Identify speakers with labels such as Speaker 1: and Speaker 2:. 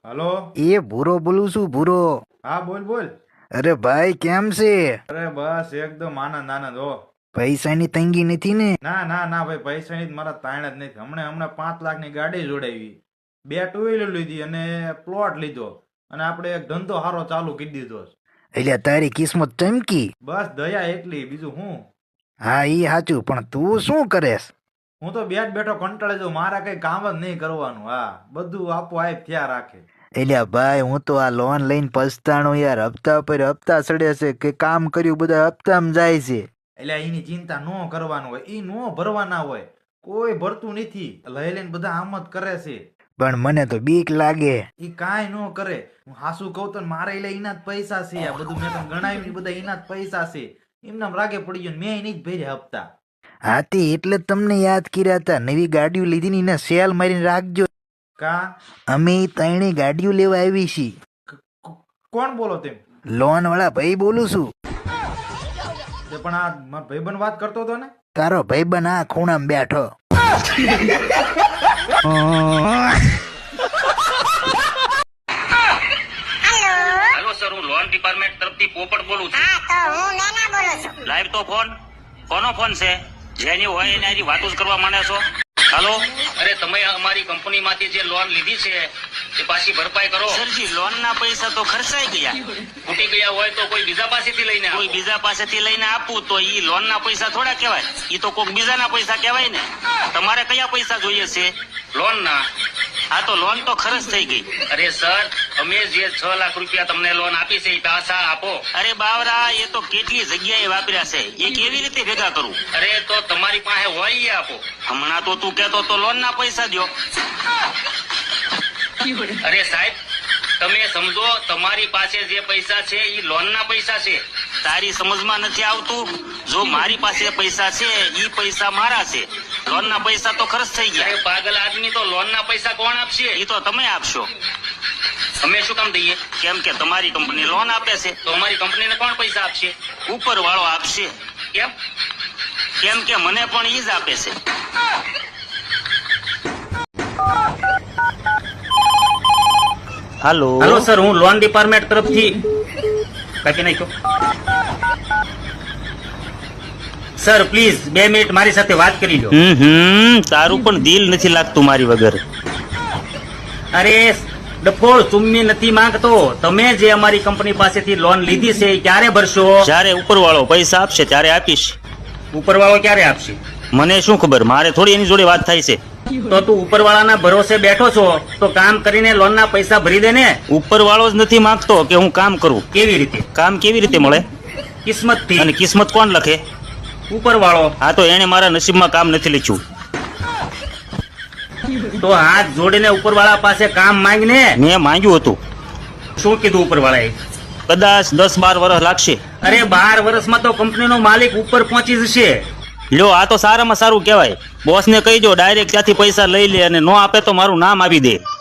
Speaker 1: Hello.
Speaker 2: એ ભૂરો બોલું છું ભૂરો.
Speaker 1: હા બોલ બોલ.
Speaker 2: અરે ભાઈ કેમ છે?
Speaker 1: અરે બસ એકદમ આનંદ આનંદ હો.
Speaker 2: પૈસાની તંગી નથી ને?
Speaker 1: ના ના ના ભાઈ, પૈસાની જ મારા તાણ જ નથી. હમણાં 5 લાખની ગાડી જોડાવી, 2 ટુ વ્હીલર લીધી અને પ્લોટ લીધો, અને આપણે એક ધંધો સારો ચાલુ કરી દીધો છે.
Speaker 2: એટલે તારી કિસ્મત ચમકી.
Speaker 1: બસ દયા એટલી, બીજું હું.
Speaker 2: હા ઈ સાચું, પણ તું શું કરેસ?
Speaker 1: હું તો બેઠ બેઠો કંટાળી જાઉં, મારા કઈ કામ જ નહીં કરવાનું. હા, બધું આપોઆપ થયા રાખે.
Speaker 2: એટલે ભાઈ હું તો આ લોન લઈને પછતાણું યાર. હપ્તા પર હપ્તા ચડે છે કે કામ કર્યું બધા હપ્તામાં જાય છે.
Speaker 1: એટલે એની ચિંતા ન કરવાનું હોય, ઈ નો ભરવાના હોય. કોઈ ભરતું નથી, લઈ લઈને બધા આમ જ કરે છે.
Speaker 2: પણ મને તો બીક લાગે.
Speaker 1: ઈ કાંઈ ન કરે. હું હાસુ કહું તો મારે એટલે એના જ પૈસા છે. આ બધું મેં તમને ગણાવ્યું, બધા એના જ પૈસા છે. એમનામ રાગે પડી ગયો, મેં નહીં જ ભર્યા હપ્તા.
Speaker 2: હાથી એટલે જ તમને યાદ કર્યા હતા. નવી ગાડીઓ લીધી ને એને સેલ મારીને રાખજો.
Speaker 1: કા
Speaker 2: અમે ત્રણેય ગાડીઓ લેવા આવી છીએ.
Speaker 1: કોણ બોલો તેમ?
Speaker 2: લોન વાળા ભાઈ બોલું છું.
Speaker 1: તે પણ આ મારો ભાઈબંધ વાત કરતો હતો ને.
Speaker 2: તારો ભાઈબંધ આ ખૂણામાં બેઠો.
Speaker 3: હેલો સર, હું લોન ડિપાર્ટમેન્ટ તરફથી પોપટ બોલું છું.
Speaker 4: હા, તો હું નૈના બોલું છું.
Speaker 3: લાઈવ તો ફોન કોનો ફોન છે? જેની હોય એને હજી વાતો જ કરવા માંડે છો. હાલો, અરે તમે અમારી કંપનીમાંથી જે લોન લીધી છે એ પાછી ભરપાઈ કરો. સરજી, લોન ના પૈસા તો ખર્ચાઈ ગયા. તૂટી ગયા હોય તો કોઈ બીજા પાસેથી લઈને આપો. કોઈ બીજા પાસેથી લઈને આપવું તો ઈ લોન ના પૈસા થોડા કહેવાય, ઈ તો કોઈક બીજાના પૈસા કહેવાય ને. તમારે કયા પૈસા જોઈએ છે? લોન ના. હા, તો લોન તો ખર્ચ થઈ ગઈ. અરે સર, અમે જે 6 લાખ રૂપિયા તમને લોન આપી છે એ પાછા આપો. અરે બાવરા, એ તો કેટલી જગ્યાએ વાપર્યા છે, એ કેવી રીતે ભેગા કરું? અરે તો તમારી પાસે હોય એ આપો. હમણાં તો તું કહેતો તો લોન ના પૈસા દ્યો. અરે સાહેબ, તમે સમજો, તમારી પાસે જે પૈસા છે એ લોન ના પૈસા છે. તારી સમજમાં નથી આવતું? જો મારી પાસે પૈસા છે એ પૈસા મારા છે, લોન ના પૈસા તો ખર્ચ થઈ ગયા. અરે પાગલ આદમી, તો લોન ના પૈસા કોણ આપશે? એ તો તમે આપશો. અમે શું કામ દઈએ? કેમ કે તમારી કંપની લોન આપે છે. તો અમારી કંપનીને કોણ પૈસા આપશે? ઉપર વાળો આપશે. કેમ? કેમ કે મને પણ ઈ જ આપે છે. હાલો હાલો સર, હું લોન ડિપાર્ટમેન્ટ તરફથી કાપી નાખ્યો. સર પ્લીઝ 2 મિનિટ મારી સાથે વાત કરી લો. તારું પણ દિલ નથી લાગતું મારી વગર. અરે ડફોળ, ચુમ્મી નથી માંગતો. તમે જે અમારી કંપની પાસેથી લોન લીધી છે એ ક્યારે ભરશો? જ્યારે ઉપરવાળો પૈસા આપશે ત્યારે આપીશ. ઉપરવાળો ક્યારે આપશે? મને શું ખબર, મારે થોડી એની જોડે વાત થાય છે. તો તું ઉપરવાળાના ભરોસે બેઠો છો તો કામ કરીને લોનના પૈસા ભરી દે ને. ઉપરવાળો જ નથી માંગતો કે હું કામ કરું. કેવી રીતે? કામ કેવી રીતે મળે? કિસ્મતથી. અને કિસ્મત કોણ લખે? ઉપરવાળો. હા, તો એને મારા નસીબમાં કામ નથી લખ્યું. તો હાથ જોડીને ઉપરવાળા પાસે કામ માંગને. મેં માંગ્યું હતું. શું કીધું ઉપરવાળાએ? કદાચ 10-12 વર્ષ લાગશે. અરે 12 વર્ષમાં તો કંપનીનો માલિક ઉપર પહોંચી જશે. લ્યો, આ તો સારામાં સારું કહેવાય. બોસને કહી દો ડાયરેક્ટ ત્યાંથી પૈસા લઈ લે, અને નો આપે તો મારું નામ આપી દે.